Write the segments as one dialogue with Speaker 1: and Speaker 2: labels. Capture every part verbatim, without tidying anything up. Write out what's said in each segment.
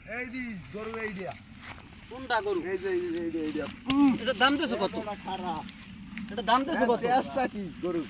Speaker 1: এই দি গরু এইডিয়া
Speaker 2: কোনটা গরু?
Speaker 1: এই যে এই যে এইডিয়া
Speaker 2: এটা দাম দেছো কত?
Speaker 1: খারাপ
Speaker 2: এটা দাম দেছো কত?
Speaker 1: টেস্টটা কি গরু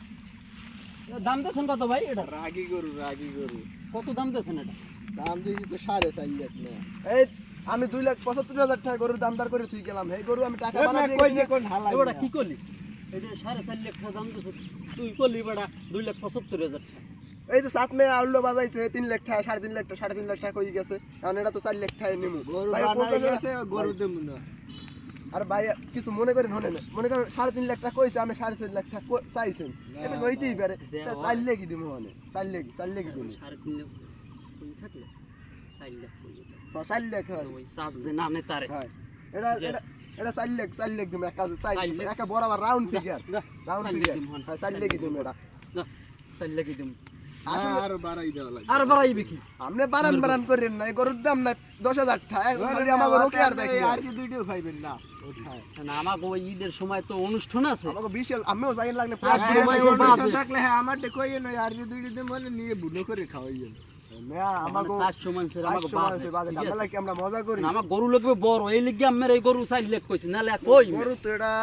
Speaker 2: এটা দাম দেছেন কত ভাই? এটা
Speaker 1: রাগী গরু রাগী গরু
Speaker 2: কত দাম দেছেন এটা?
Speaker 1: দাম দিয়েছি তো সাড়ে চার লাখ না এই আমি দুই লাখ পঁচাত্তর হাজার টাকা গরুর দামদার করে তুই গেলাম এই গরু আমি টাকা বানা দিয়ে গেছি কোন হালাই
Speaker 2: এবারে কি করলি? এটা সাড়ে চার লাখ টাকা দাম দেছো তুই করলি বেটা দুই লাখ পঁচাত্তর হাজার টাকা।
Speaker 1: এই যে সাত মে আউলো বাজাইছে তিন লাখ টাকা সাড়ে তিন লাখ টাকা সাড়ে তিন লাখ টাকা হয়ে গেছে কারণ এটা তো চার লাখ টাকা নিমু ভাই গেছে গরু দেব না আর ভাই কিছু মনে করেন হনে না মনে করেন সাড়ে তিন লাখ টাকা কইছে আমি সাড়ে চার লাখ টাকা চাইছেন এবার হইতেই পারে তা চার লাখ কি দিমু হনে চার লাখ চার লাখ কি দিমু
Speaker 2: সাড়ে তিন লাখ তুমি থাকলে চার লাখ কই যেত?
Speaker 1: হ্যাঁ চার লাখ হয়
Speaker 2: ওই সাত যে না নেতারে
Speaker 1: হ্যাঁ এটা এটা এটা চার লাখ চার লাখ দিমু একা চার
Speaker 2: চার লাখ।
Speaker 1: একা বরাবর রাউন্ড ফিগার
Speaker 2: যা,
Speaker 1: রাউন্ড
Speaker 2: চার লাখ
Speaker 1: ফিগার
Speaker 2: দিমু হন।
Speaker 1: হ্যাঁ চার লাখ দিমু এটা
Speaker 2: না চার লাখই দিম।
Speaker 1: আর বাড়াই দেওয়া লাগবে
Speaker 2: আর বাড়াইবে কি?
Speaker 1: আপনি বারান বারান করেন না এই গরুর দাম না দশ হাজার টাকা আমার গরুকে আর দেখি
Speaker 3: আর কি দুইটাও খাইবেন না
Speaker 2: না আমাকে ওই ঈদের সময় তো অনুষ্ঠান আছে।
Speaker 1: আমাকে বিশাল আমিও যাই লাগলে
Speaker 2: আর
Speaker 1: পুরো
Speaker 2: সময়
Speaker 1: সময়
Speaker 2: ওর
Speaker 1: অনুষ্ঠান
Speaker 2: বাজে।
Speaker 3: থাকলে হ্যাঁ আমারটা কইয়ে নয় আর কি দুইটা দিন মানে নিয়ে বুনো করে খাওয়াইয়েন
Speaker 1: না আমাকে
Speaker 2: চারশো মানুষের আমাকে
Speaker 1: চারশো
Speaker 2: বাজে,
Speaker 1: মানুষের বাজেট
Speaker 2: ঠিক আছে?
Speaker 1: আমরা কি আমরা মজা করি
Speaker 2: না, আমার গরু লাগবে বড় এই লিগে আমার এই গরু চার লাখ কইছি নালে আর কই
Speaker 1: গরু তো এটা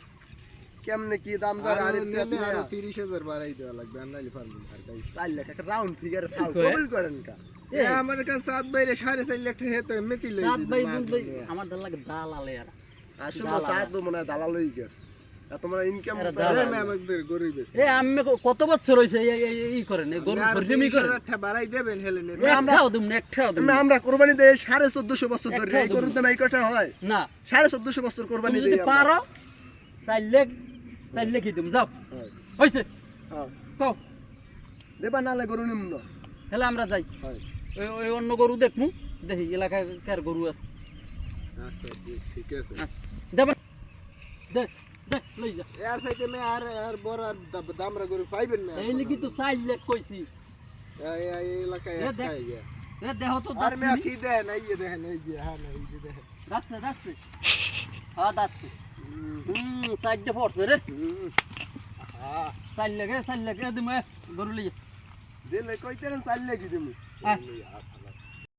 Speaker 1: কেমনে কি দাম দর আর
Speaker 3: আরো তিরিশ হাজার বাড়াই দেওয়া লাগবে আর নাইলে পারবেন আর তাই
Speaker 1: চার লাখ একটা রাউন্ড ফিগার খাও
Speaker 2: কয়?
Speaker 1: কবুল করেন কা
Speaker 3: এ আমার কাছে সাত বাইরে সাড়ে চার লাখ টাকা হেতে মেতি লই
Speaker 2: সাত ভাই বুঝ ভাই আমার ডাল লাগে দাল আলে আর
Speaker 1: আসলে সাত তো মনে হয় দালাল হই গেছে এত মানে ইনকাম
Speaker 2: এরা দালাল।
Speaker 3: আমাদের গরুই বেশ
Speaker 2: এ আমি কত বছর হইছে এই এই- এই করেন এই গরু পরিজমি করেন
Speaker 3: বাড়াই দেবেন হেলে নেন
Speaker 2: একটাও দিম না একটাও দিম না।
Speaker 1: আমরা কোরবানি দেই সাড়ে চোদ্দশো বছর ধরে
Speaker 2: একটা
Speaker 1: এই গরুর দাম এই কথা হয়
Speaker 2: না
Speaker 1: সাড়ে চোদ্দশো বছর
Speaker 2: তুমি
Speaker 1: কোরবানি
Speaker 2: যদি
Speaker 1: দেই
Speaker 2: পারো চার লাখ চার লাখই দিম যাও হইছে
Speaker 1: হ্যাঁ
Speaker 2: কও
Speaker 1: দেবা নালে গরু নিম না
Speaker 2: হেলে আমরা যাই
Speaker 1: হয়
Speaker 2: ওই ওই অন্য গরু দেখমু দেখি এলাকায় কার গরু আছে
Speaker 3: আচ্ছা ঠিক আছে
Speaker 2: দেব দে দে লই যা
Speaker 3: এর সাইতে মে আর আর বড় আর দামরা গরু পাইবেন না
Speaker 2: এই লিগি তো চার লাখ কইছি
Speaker 3: এই এই এলাকায়
Speaker 2: এ দেখ।
Speaker 3: একটাই গিয়া
Speaker 2: এ দেহ তো
Speaker 3: আর মে
Speaker 2: দাসি
Speaker 3: কি দেন এই যে দেখেন এই যে হ্যাঁ এই যে দেখেন
Speaker 2: দাসছে দাসছে হ্যাঁ দাসছে হুম সাইডে পড়ছে রে
Speaker 3: হ্যাঁ
Speaker 2: চার লাখ চার লাখ দিমে গরু লই
Speaker 1: দিলে কইতেন চার লাখ দিমু
Speaker 2: যা